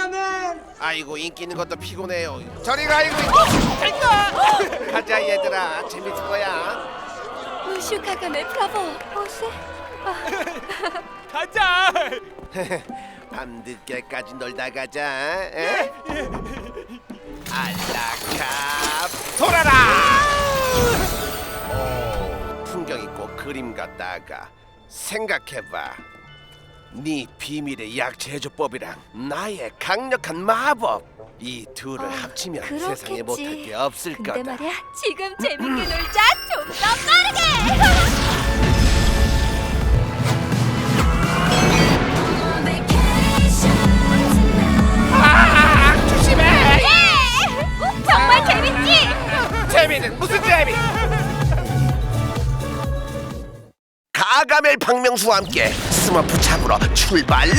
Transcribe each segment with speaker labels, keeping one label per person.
Speaker 1: 스파이더맨.
Speaker 2: 아이고 인기 있는 것도 피곤해요. 저리 가 이거. 가자 얘들아 재밌을 거야.
Speaker 3: 무슈 가가멜 브라보. 오세.
Speaker 4: 가자.
Speaker 2: 밤늦게까지 놀다 가자. 에? 알라카 돌아라. 오, 풍경 있고 그림 같다가 생각해봐. 네 비밀의 약제조법이랑 나의 강력한 마법 이 둘을 합치면 세상에 못할 게 없을
Speaker 3: 근데
Speaker 2: 거다.
Speaker 3: 말이야, 지금 재밌게 놀자. 좀 더 빠르게.
Speaker 2: 조심해.
Speaker 3: 예! 정말 재밌지?
Speaker 2: 재미는 무슨 재미? 가가멜 박명수와 함께 스머프 잡으러 출발!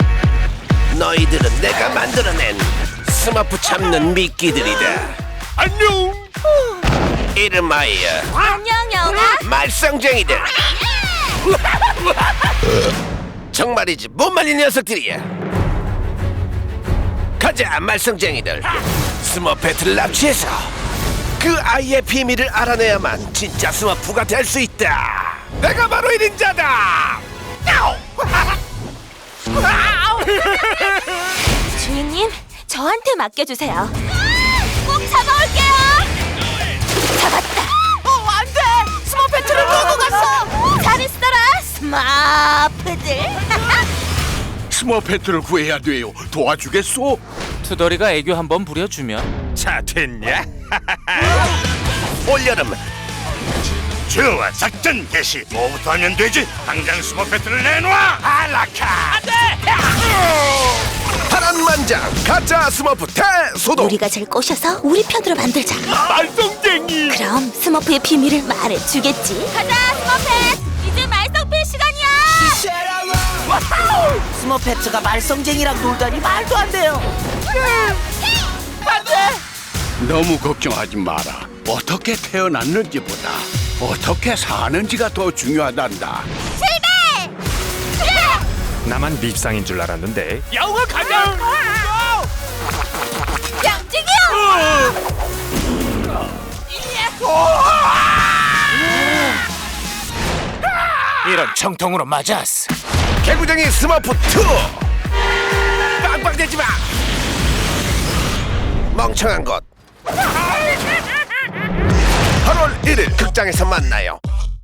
Speaker 2: 너희들은 내가 만들어낸 스머프 잡는 미끼들이다.
Speaker 4: 안녕.
Speaker 2: 이름하여
Speaker 3: 안녕, 영아.
Speaker 2: 말썽쟁이들. 정말이지 못 말린 녀석들이야. 가자 말썽쟁이들. 스머프 배틀을 납치해서 그 아이의 비밀을 알아내야만 진짜 스머프가 될 수 있다. 내가 바로 1인자다.
Speaker 3: 주인님, 저한테 맡겨주세요. 꼭 잡아올게요. 잡았다. 안 돼. 스머페트를 놓고 갔어. 잘했어라, 스머프들.
Speaker 5: 스머페트를 구해야 돼요. 도와주겠소?
Speaker 4: 투덜이가 애교 한번 부려주면.
Speaker 5: 자, 됐냐?
Speaker 2: 올여름
Speaker 5: 좋아, 작전 개시. 뭐부터 하면 되지? 당장 스머페트를 내놔! 알라카! 안 돼!
Speaker 2: 파란만장 가짜 스머프 대소동.
Speaker 3: 우리가 잘 꼬셔서 우리 편으로 만들자.
Speaker 5: 말썽쟁이!
Speaker 3: 그럼 스머프의 비밀을 말해주겠지. 가자, 스머펫. 이제 말썽필 시간이야.
Speaker 6: 스머페트가 말썽쟁이랑 놀다니 말도 안 돼요.
Speaker 5: 너무 걱정하지 마라. 어떻게 태어났는지보다 어떻게 사는지가 더 중요하단다.
Speaker 7: 나만 밉상인 줄 알았는데.
Speaker 4: 야옹아 가자. 이런 정통으로 맞았어.
Speaker 2: 개구쟁이 스머프 2 빵빵대지 마. 멍청한 것. 8월 1일 극장에서 만나요.